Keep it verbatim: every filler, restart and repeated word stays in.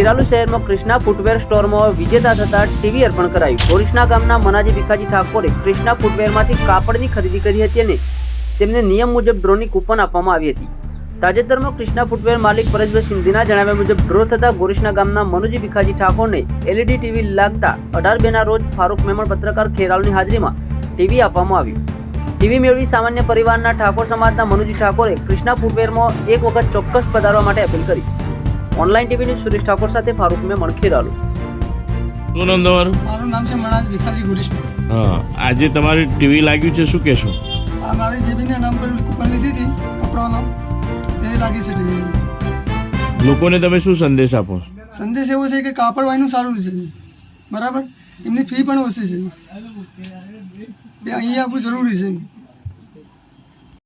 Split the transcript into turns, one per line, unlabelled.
ખેરાલુ શહેરમાં કૃષ્ણા ફૂટવેર સ્ટોરમાં વિજેતા થતા ટીવી અર્પણ કરાયું। ગોરીસના ગામના મનાજી ભીખાજી ઠાકોરે કૃષ્ણા ફૂટવેરમાંથી કાપડની ખરીદી કરી હતી અને તેમને નિયમ મુજબ ડ્રોની કૂપન આપવામાં આવી હતી। તાજેતરમાં કૃષ્ણા ફૂટવેર માલિક પરેશભાઈ સિંધીના જણાવ્યા મુજબ ડ્રો થતા ગોરીસના ગામના મનુજી ભીખાજી ઠાકોરને એલઈડી ટીવી લાગતા અઢાર બે ના રોજ ફારૂક મેમણ પત્રકાર ખેરાલુની હાજરીમાં ટીવી આપવામાં આવ્યું। ટીવી મેળવી સામાન્ય પરિવારના ઠાકોર સમાજના મનુજી ઠાકોરે કૃષ્ણા ફૂટવેરમાં એક વખત ચોક્કસ પધારવા માટે અપીલ કરી। Online TV news Suresh Thakor સાથે ફારૂક મેમણ ખેરાલુ।
શું નામ તમારું?
મારું નામ છે મનાજ ભીખાજી ગુરીશનું।
હા, આજે તમારી ટીવી લાગ્યું છે, શું કહેશો?
આ મારી બેબીના નામ પર કૂપન લીધી હતી કપડાનો, એ લાગી છે ટીવી।
લોકોને તમે શું સંદેશ આપો?
સંદેશ એવો છે કે કાપડ વાયનું સારું છે, બરાબર, એમની ફી પણ ઓછી છે, એ અહીંયા આવવું જરૂરી છે।